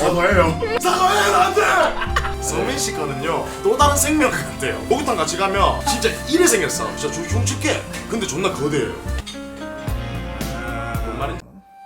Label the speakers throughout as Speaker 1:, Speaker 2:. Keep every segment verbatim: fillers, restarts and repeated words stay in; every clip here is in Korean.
Speaker 1: 사과해요. 사과해요 나한테. 성민 씨 거는요 또 다른 생명 같아요. 목욕탕 같이 가면 진짜 이래 생겼어. 진짜 흉측해. 근데 존나 거대해요. 뭔 말인지.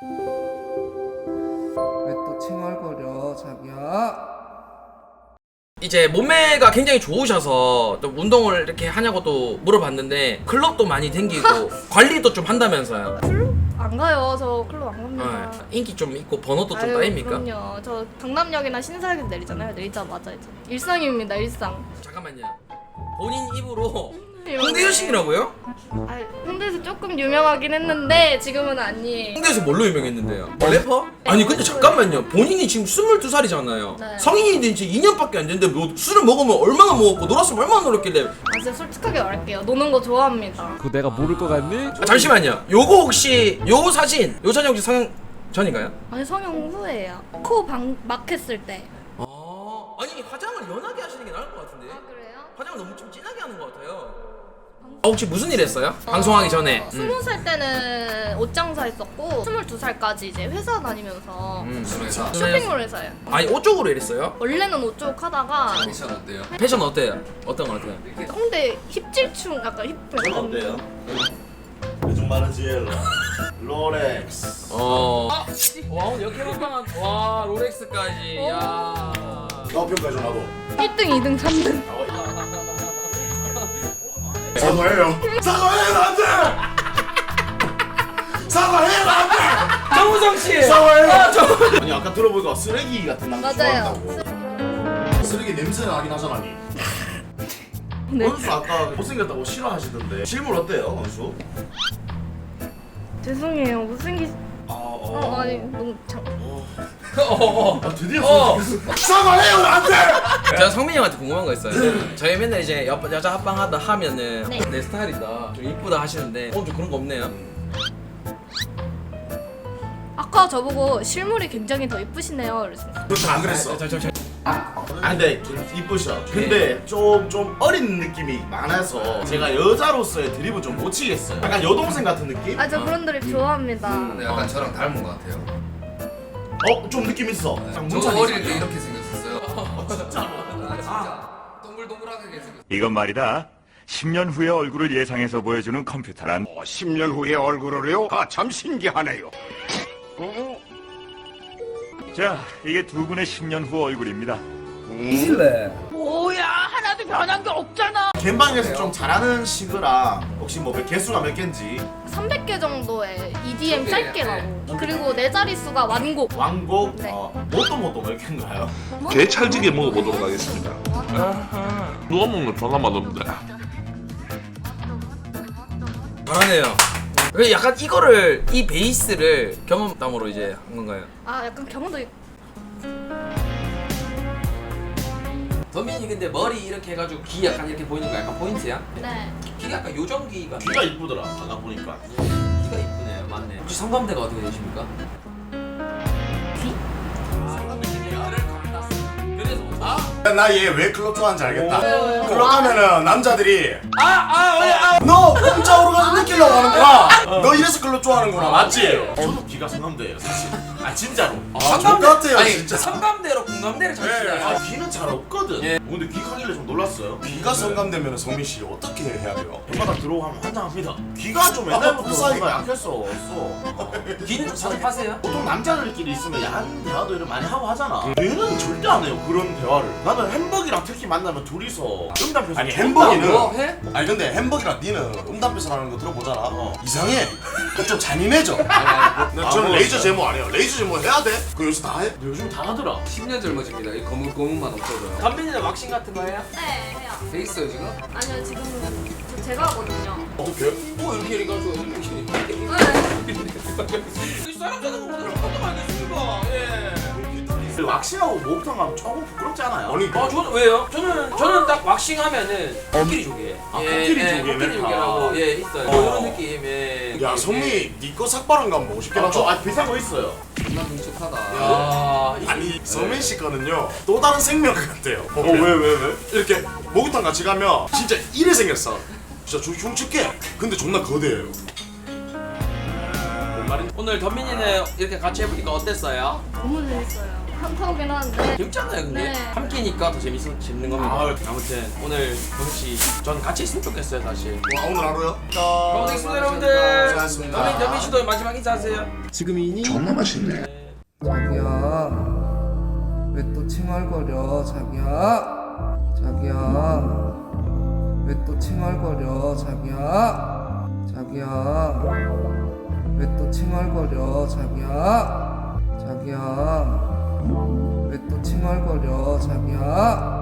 Speaker 2: 왜 또 칭얼거려 자기야?
Speaker 3: 이제 몸매가 굉장히 좋으셔서 좀 운동을 이렇게 하냐고 또 물어봤는데 클럽도 많이 댕기고 관리도 좀 한다면서요.
Speaker 4: 클럽 안 가요. 저 클럽 안 갑니다.
Speaker 3: 네. 인기 좀 있고 번호도 좀
Speaker 4: 아유,
Speaker 3: 따입니까?
Speaker 4: 그럼요. 저 강남역이나 신사역에서 내리잖아요. 내리자마자 이제 일상입니다. 일상.
Speaker 3: 잠깐만요. 본인 입으로 홍대 여신이라고요?
Speaker 4: 아, 홍대에서 조금 유명하긴 했는데 지금은 아니에요.
Speaker 3: 홍대에서 뭘로 유명했는데요? 뭐 래퍼? 아니 근데 잠깐만요. 본인이 지금 스물두 살이잖아요.
Speaker 4: 네.
Speaker 3: 성인이 된 지 이 년밖에 안 됐는데 뭐 술을 먹으면 얼마나 먹었고 놀았으면 얼마나 놀았길래.
Speaker 4: 아, 진짜 솔직하게 말할게요. 노는 거 좋아합니다.
Speaker 5: 그거 내가 모를 것 같니?
Speaker 3: 아, 잠시만요. 요거 혹시 요 사진 요 사진 혹시 성형 전인가요?
Speaker 4: 아니 성형 후예요. 코 방, 막 했을 때.
Speaker 3: 아 아니 화장을 연하게 하시는 게 나을 것 같은데.
Speaker 4: 그래요?
Speaker 3: 화장을 너무 좀 진하게 하는 것 같아요. 아, 혹시 무슨 일 했어요? 방송하기 전에.
Speaker 4: 어, 스무 살 때는 옷 장사했었고 스물두 살까지 이제 회사 다니면서
Speaker 3: 음.
Speaker 4: 쇼핑몰 회사예요.
Speaker 3: 아니 옷 쪽으로 일했어요?
Speaker 4: 원래는 옷 쪽 하다가
Speaker 5: 패션 어때요?
Speaker 3: 패션 어때요? 어떤 거 같아요?
Speaker 4: 홍대 힙질충 약간 힙
Speaker 1: 전 어때요? 요즘 많은 지엘로 롤렉스.
Speaker 3: 어. 와 오늘 이렇게 한방한 와 롤렉스까지. 야.
Speaker 1: 나 평가줘 나도.
Speaker 4: 일 등, 이 등, 삼 등.
Speaker 1: 사과해요. 사과해요 나한테. 사과해요 나한테.
Speaker 3: 정우성 씨.
Speaker 1: 사과해요.
Speaker 3: 아, 저...
Speaker 1: 아니 아까 들어보니까 쓰레기 같은 남자
Speaker 4: 맞아요.
Speaker 1: 좋아한다고. 쓰레기 냄새 나긴 하잖아니.
Speaker 4: 네.
Speaker 1: 원수 아까 못생겼다고 싫어하시던데 실물 어때요 원수?
Speaker 4: 죄송해요. 못생기.
Speaker 1: 아,
Speaker 4: 어,
Speaker 1: 어.
Speaker 4: 아니 너무 장.
Speaker 3: 어, 어.
Speaker 1: 아 드디어
Speaker 3: 어.
Speaker 1: 사과해요 나한테.
Speaker 3: 제가 성민이 형한테 궁금한 거 있어요. 저희 맨날 이제 여, 여자 합방하다 하면은
Speaker 4: 네.
Speaker 3: 내 스타일이다, 좀 이쁘다 하시는데 오늘 좀 그런 거 없네요.
Speaker 4: 아까 저보고 실물이 굉장히 더 이쁘시네요. 그래서
Speaker 1: 그렇죠 안 그랬어.
Speaker 3: 저, 저, 저,
Speaker 1: 아 근데 이쁘셔. 근데 좀 좀 어린 느낌이 많아서 제가 여자로서의 드립은 좀 못 치겠어요. 약간 여동생 같은 느낌?
Speaker 4: 아 저 그런 드립 좋아합니다.
Speaker 5: 근데 약간 저랑 닮은 것 같아요.
Speaker 1: 어? 좀 느낌 있어. 약간
Speaker 5: 저
Speaker 1: 문찬이
Speaker 5: 어릴 때
Speaker 1: 있어.
Speaker 5: 이렇게 생겼었어요.
Speaker 1: 어, 진짜.
Speaker 5: 아, 진짜 동글동글하게 생겼어요.
Speaker 6: 이건 말이다. 십 년 후의 얼굴을 예상해서 보여주는 컴퓨터란
Speaker 7: 어, 십 년 후의 얼굴을요? 아, 참 신기하네요.
Speaker 6: 자, 이게 두 분의 십 년 후 얼굴입니다.
Speaker 2: 이실래?
Speaker 1: 갬방에서 좀 잘하는 시그랑 혹시 뭐 몇 개수가 몇 개인지
Speaker 4: 삼백 개 정도의 이디엠
Speaker 5: 네,
Speaker 4: 짧게 나고 그리고 네 자릿수가 완곡.
Speaker 1: 왕곡
Speaker 4: 네.
Speaker 1: 어, 뭐또 뭐또 몇 개인가요?
Speaker 8: 게 찰지게 먹어보도록 하겠습니다. 누가 먹는 전화 맛없는데.
Speaker 3: 잘하네요. 왜 약간 이거를 이 베이스를 경험담으로 이제 한 건가요?
Speaker 4: 아 약간 경험도 있...
Speaker 3: 덤민이 근데 머리 이렇게 해가지고 귀 약간 이렇게 보이는 거 약간 포인트야?
Speaker 4: 네.
Speaker 3: 귀가 약간 요정귀가
Speaker 1: 귀가 이쁘더라 아까 보니까.
Speaker 3: 귀가 이쁘네요. 맞네. 혹시 성감대가 어떻게 되십니까? 귀? 그래서 아?
Speaker 1: 나 얘 왜 클럽 좋아하는지 알겠다.
Speaker 4: 오.
Speaker 1: 클럽 가면은 남자들이
Speaker 3: 아아 왜 아?
Speaker 1: 너 공짜로 가서 느끼려고 하는구나. 너 이래서 클럽 좋아하는구나 맞지? 저도 귀가 성감대예요 사실. 아 진짜로. 아
Speaker 3: 성감대
Speaker 1: 똑같아요
Speaker 3: 아니
Speaker 1: 진짜.
Speaker 3: 성감대로 공감대를 잘
Speaker 1: 네.
Speaker 3: 치잖아요.
Speaker 1: 아 귀는 잘 없거든.
Speaker 3: 예.
Speaker 1: 근데 귀 가길래 좀 놀랐어요. 귀가 성감되면 성민 씨 어떻게 해야 돼요? 엄마가 들어오면 환장합니다. 귀가 좀 옛날부터 사이가 약했어.
Speaker 3: 귀는 좀 자주 파세요?
Speaker 1: 보통 남자들끼리 있으면 야한 대화도 이런 많이 하고 하잖아. 얘는 절대 안 해요 그런 대화를. 나는 햄버기랑 특히 만나면 둘이서 음담표서 아니 햄버기는
Speaker 3: 뭐 해?
Speaker 1: 아니 근데 햄버기랑 니는 음담표서라는 거 들어보잖아. 어. 이상해. 좀 잔인해져.
Speaker 5: 아,
Speaker 1: 저는 레이저 제모 안 해요. 레이저 제모 해야 돼? 그거 요새 다 해? 요즘 다 하더라.
Speaker 5: 십 년 젊어집니다. 이 검은 검은만 없어져요.
Speaker 3: 덤민이는 왁싱 같은 거 해요?
Speaker 4: 네 해요.
Speaker 5: 돼 있어요 지금?
Speaker 4: 아니요 지금은 저 제가 하거든요.
Speaker 1: 어떻게?
Speaker 3: 뭐 이렇게 이렇게 가지고 이렇게
Speaker 4: 네.
Speaker 3: 이 사람 자는 거 보면 어떤 거 알겠습니까? 예.
Speaker 1: 왁싱하고 목욕탕 가면 조금 부끄럽지 않아요? 아니
Speaker 3: 아 저는 왜요? 저는 저는 딱 왁싱 하면은 코끼리 조개.
Speaker 1: 아, 코끼리 조개
Speaker 3: 코끼리
Speaker 1: 멘트.
Speaker 3: 조개라고 예 있어요.
Speaker 1: 어.
Speaker 3: 뭐 이런 느낌. 예.
Speaker 1: 야 성미 니거 삭발한 거 한번 보고 싶긴
Speaker 3: 아,
Speaker 1: 하다.
Speaker 3: 저-
Speaker 1: 아 비싼 거 있어요.
Speaker 5: 존나 능숙하다.
Speaker 3: 아, 이-
Speaker 1: 아니 성민 씨 거는요 또 다른 생명 같아요. 어
Speaker 3: 왜,
Speaker 1: 왜 왜? 이렇게 목욕탕 같이 가면 진짜 이래 생겼어. 진짜 좀 흉측해. 근데 존나 거대해요. 뭔 말인지.
Speaker 3: 오늘 덤민이는 이렇게 같이 해보니까 어땠어요?
Speaker 4: 너무 재밌어요. 한타오긴 하는데.
Speaker 3: 재밌잖아요 근데
Speaker 4: 네.
Speaker 3: 함께니까 더 재밌어 재밌는 겁니다.
Speaker 1: 아유.
Speaker 3: 아무튼 오늘 경씨 전 같이 있으면 좋겠어요 다시.
Speaker 1: 와 오늘 하루요?
Speaker 3: 고생했습니다 여러분들.
Speaker 1: 고생하셨습니다.
Speaker 3: 연민 연민 씨도 마지막 인사하세요.
Speaker 8: 존나 맛있네.
Speaker 2: 자기야 왜 또 칭얼거려 자기야 자기야 왜 또 칭얼거려 자기야 자기야 왜 또 칭얼거려 자기야 자기야 왜 또 칭얼거려 자기야